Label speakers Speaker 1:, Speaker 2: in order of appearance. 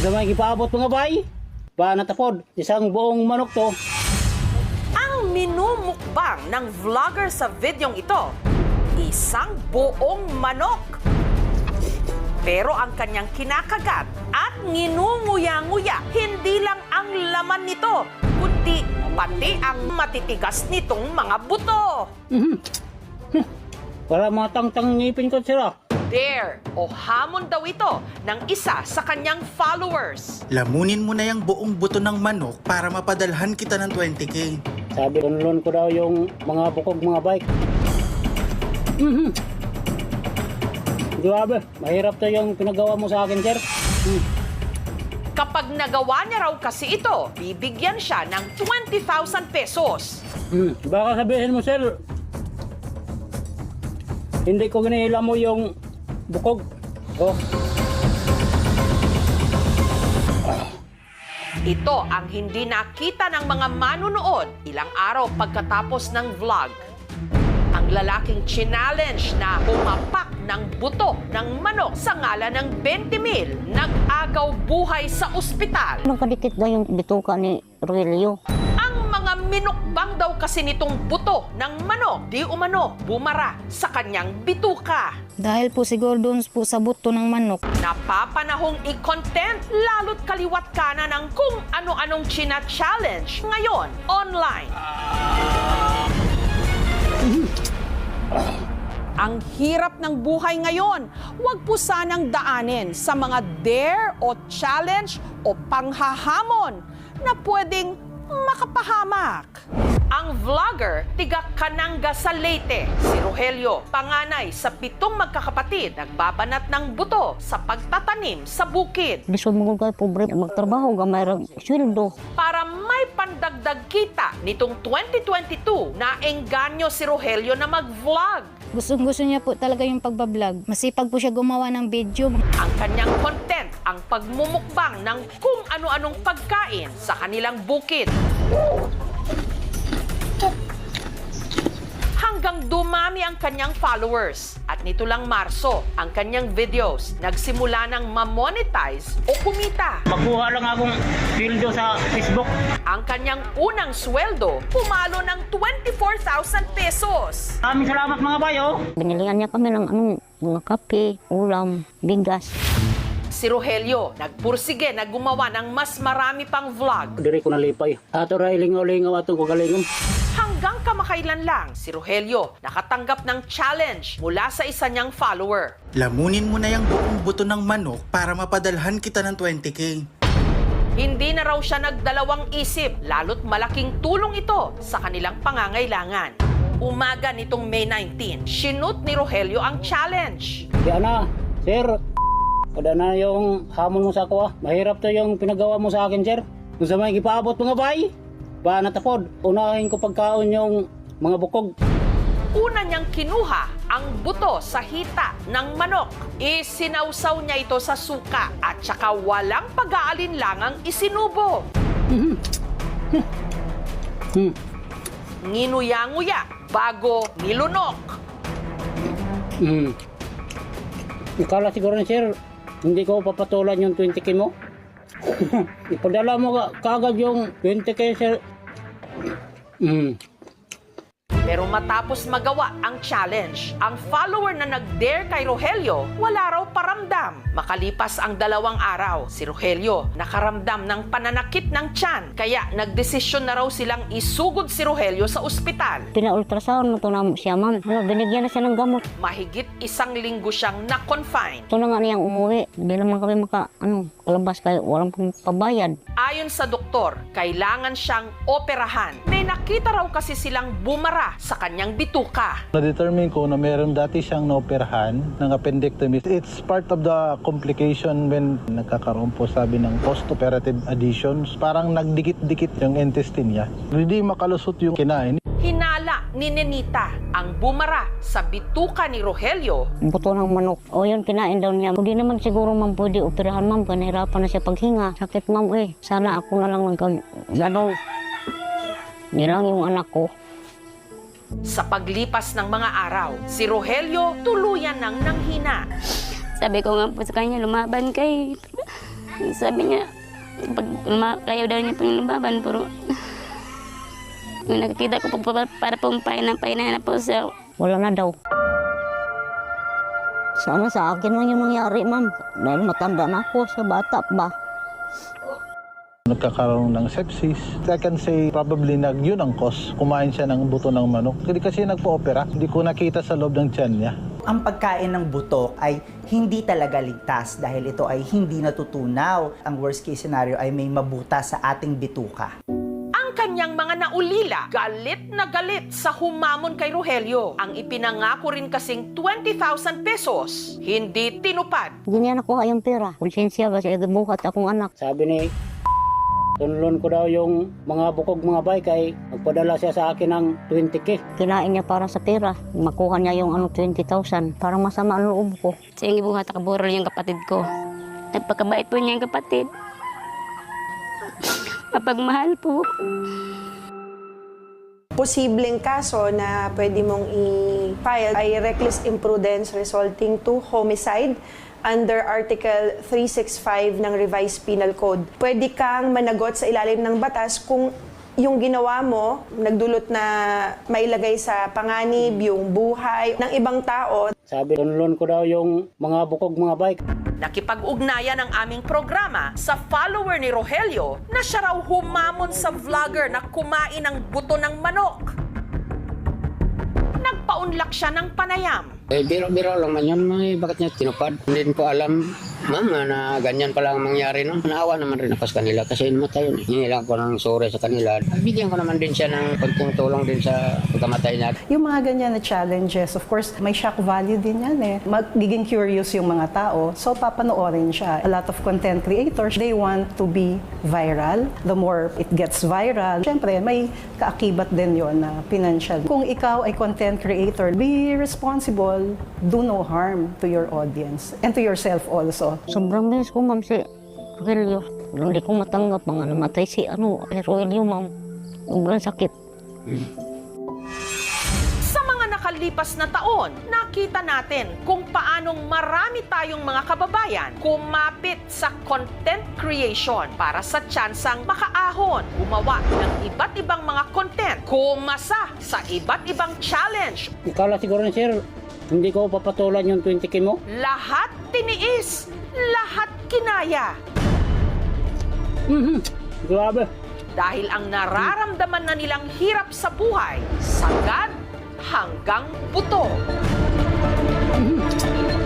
Speaker 1: Sa may gipaabot mga bay, pa natapod, isang buong manok to.
Speaker 2: Ang minumukbang ng vlogger sa videong ito, isang buong manok. Pero ang kanyang kinakagat at nginunguya-nguya, hindi lang ang laman nito, kundi pati ang matitigas nitong mga buto.
Speaker 1: Para matang-tang ngipin ko sila.
Speaker 2: Dare o hamon daw ito ng isa sa kanyang followers.
Speaker 3: Lamunin mo na yung buong buto ng manok para mapadalhan kita ng 20K.
Speaker 1: Sabi, tunlon ko daw yung mga bukog mga bike. Grabe, mahirap to yung pinagawa mo sa akin, sir.
Speaker 2: Kapag nagawa niya raw kasi ito, bibigyan siya ng 20,000 pesos.
Speaker 1: Baka sabihin mo, sir, hindi ko ginihila mo yung bukog. Oh.
Speaker 2: Ito ang hindi nakita ng mga manunood ilang araw pagkatapos ng vlog. Ang lalaking challenge na humapak ng buto ng manok sa ngalan ng 20,000 nag-agaw buhay sa ospital.
Speaker 4: Nakadikit daw yung bituka ni Rogelio.
Speaker 2: Ang mga minukbang daw kasi nitong buto ng manok di umano bumara sa kanyang bituka.
Speaker 5: Dahil po siguro doon po sa buto ng manok.
Speaker 2: Napapanahong i-content lalo't kaliwat kanan ng kung ano-anong china-challenge ngayon online. Ang hirap ng buhay ngayon, huwag po sanang daanin sa mga dare o challenge o panghahamon na pwedeng makapahamak. Ang vlogger, tiga Kananga sa Leyte, si Rogelio, panganay sa 7 magkakapatid, nagbabanat ng buto sa pagtatanim sa bukid.
Speaker 4: Lisod mo kay pobre magtrabaho gamay ra sweldo.
Speaker 2: Para may pandagdag kita nitong 2022 na engganyo si Rogelio na mag-vlog.
Speaker 5: Gusto niya po talaga yung pagbablog. Masipag po siya gumawa ng video.
Speaker 2: Ang kanyang content, ang pagmumukbang ng kung ano-anong pagkain sa kanilang bukid. Hanggang dumami ang kanyang followers. At nito lang Marso, ang kanyang videos nagsimula ng ma-monetize o kumita.
Speaker 1: Makuha lang akong pildo sa Facebook.
Speaker 2: Ang kanyang unang sweldo, pumalo ng 24,000 pesos.
Speaker 1: Maraming salamat mga bayo.
Speaker 4: Binilihan niya kami ng mga kape, ulam, bigas.
Speaker 2: Si Rogelio, nagpursige na gumawa ng mas marami pang vlog.
Speaker 1: Diri ko nalipay. Ato ray lingaw-lingaw atong kagalingon.
Speaker 2: Hanggang kamakailan lang, si Rogelio nakatanggap ng challenge mula sa isa niyang follower.
Speaker 3: Lamunin mo na yung buong buto ng manok para mapadalhan kita ng 20K.
Speaker 2: Hindi na raw siya nagdalawang isip, lalo't malaking tulong ito sa kanilang pangangailangan. Umaga nitong May 19, sinut ni Rogelio ang challenge.
Speaker 1: Yan na, sir. Kada na yung hamon mo sa ako. Mahirap to yung pinagawa mo sa akin, sir. Kung sa may gipaabot mga bay, ba natapod. Unahin ko pagkaon yung mga bukog.
Speaker 2: Una niyang kinuha ang buto sa hita ng manok. Isinawsaw niya ito sa suka at saka walang pag-aalinlangang isinubo. Nginuya-nguya bago nilunok.
Speaker 1: Ikala siguro na, sir, hindi ko papatulan yung 20K mo. Ipadala mo kagad yung 20K, sir.
Speaker 2: Pero matapos magawa ang challenge, ang follower na nag-dare kay Rogelio, wala raw paramdam. Makalipas ang 2 araw, si Rogelio nakaramdam ng pananakit ng tiyan. Kaya nagdesisyon na raw silang isugod si Rogelio sa ospital.
Speaker 4: Pina-ultrasound mo to na siya, ma'am. Binigyan na siya ng gamot.
Speaker 2: Mahigit 1 linggo siyang na-confine.
Speaker 4: Ito na nga niyang umuwi. Hindi naman kami kalabas kayo. Walang pong pabayad.
Speaker 2: Ayon sa doktor, kailangan siyang operahan. May nakita raw kasi silang bumara sa kanyang bituka.
Speaker 6: Na-determine ko na meron dati siyang naoperahan ng appendectomy. It's part of the complication when nagkakaroon po sabi ng post-operative adhesions. Parang nagdikit-dikit yung intestine niya. Hindi makalusot yung kinain.
Speaker 2: Hinala ni Nenita ang bumara sa bituka ni Rogelio.
Speaker 4: Buto ng manok. O yun, kinain daw niya. Hindi naman siguro, ma'am, pwede operahan, ma'am. Kanahirapan na siya paghinga. Sakit, ma'am, eh. Sana ako na lang nagkagano'n. Nilang yung anak ko.
Speaker 2: Sa paglipas ng mga araw, si Rogelio tuluyan ng nanghina.
Speaker 7: Sabi ko nga po sa kanya, lumaban kay Sabi niya, pag kayo daw niya pong lumaban, pero yung nakikita ko po para pong pahina na po siya.
Speaker 4: Wala na daw. Sana sa akin lang yung nangyari, ma'am. Dahil matanda na ako sa bata ba.
Speaker 6: Nagkakaroon ng sepsis. I can say probably yun ang cause. Kumain siya ng buto ng manok. Hindi kasi nagpo-opera. Hindi ko nakita sa loob ng tiyan niya.
Speaker 8: Ang pagkain ng butok ay hindi talaga ligtas dahil ito ay hindi natutunaw. Ang worst case scenario ay may mabuta sa ating bituka.
Speaker 2: Ang kanyang mga naulila, galit na galit sa humamon kay Rogelio. Ang ipinangako rin kasing 20,000 pesos, hindi tinupad.
Speaker 4: Hindi niya nakuha yung pera. Konsensya ba siya buhat akong anak.
Speaker 1: Sabi ni tunlon ko daw yung mga bukog mga bay kay magpadala siya sa akin ng 20K.
Speaker 4: Kinain niya para sa pera. Makuha niya yung 20,000. Parang masama ang loob ko.
Speaker 7: Siya yung buhat akaburol yung kapatid ko. Napakabait po niya yung kapatid. Mapagmahal po.
Speaker 9: Posibleng kaso na pwede mong i-file ay reckless imprudence resulting to homicide under Article 365 ng Revised Penal Code. Pwede kang managot sa ilalim ng batas kung yung ginawa mo nagdulot na mailagay sa panganib yung buhay ng ibang tao.
Speaker 1: Sabi tunlon ko daw yung mga bukog mga bay.
Speaker 2: Nakipag-ugnayan ang aming programa sa follower ni Rogelio na siya raw humamon sa vlogger na kumain ng buto ng manok. Nagpaunlak siya ng panayam.
Speaker 10: Biro-biro lang man yun, bakit niya tinupad? Hindi ko alam, ma'am, na ganyan pala ang mangyari. No? Naawa naman rin ako sa kanila kasi namatay yun. Hinilang ko ng sorry sa kanila. Bigyan ko naman din siya ng konting tulong din sa pagkamatay niya.
Speaker 11: Yung mga ganyan na challenges, of course, may shock value din yan eh. Magiging curious yung mga tao, so papanoorin siya. A lot of content creators, they want to be viral. The more it gets viral, syempre may kaakibat din yon na financial. Kung ikaw ay content creator, be responsible. Do no harm to your audience and to yourself also.
Speaker 4: Sobrang bilis ko, ma'am, si Rogelio. Hindi ko matanggap mga namatay si Rogelio, ma'am. Sobrang sakit.
Speaker 2: Sa mga nakalipas na taon, nakita natin kung paanong marami tayong mga kababayan kumapit sa content creation para sa tsansang makaahon, gumawa ng iba't ibang mga content, kumasa sa iba't ibang challenge.
Speaker 1: Ikala siguro ni sir, hindi ko papatulan yung 20K mo.
Speaker 2: Lahat tiniis, lahat kinaya.
Speaker 1: Grabe.
Speaker 2: Dahil ang nararamdaman na nilang hirap sa buhay, sagad hanggang buto.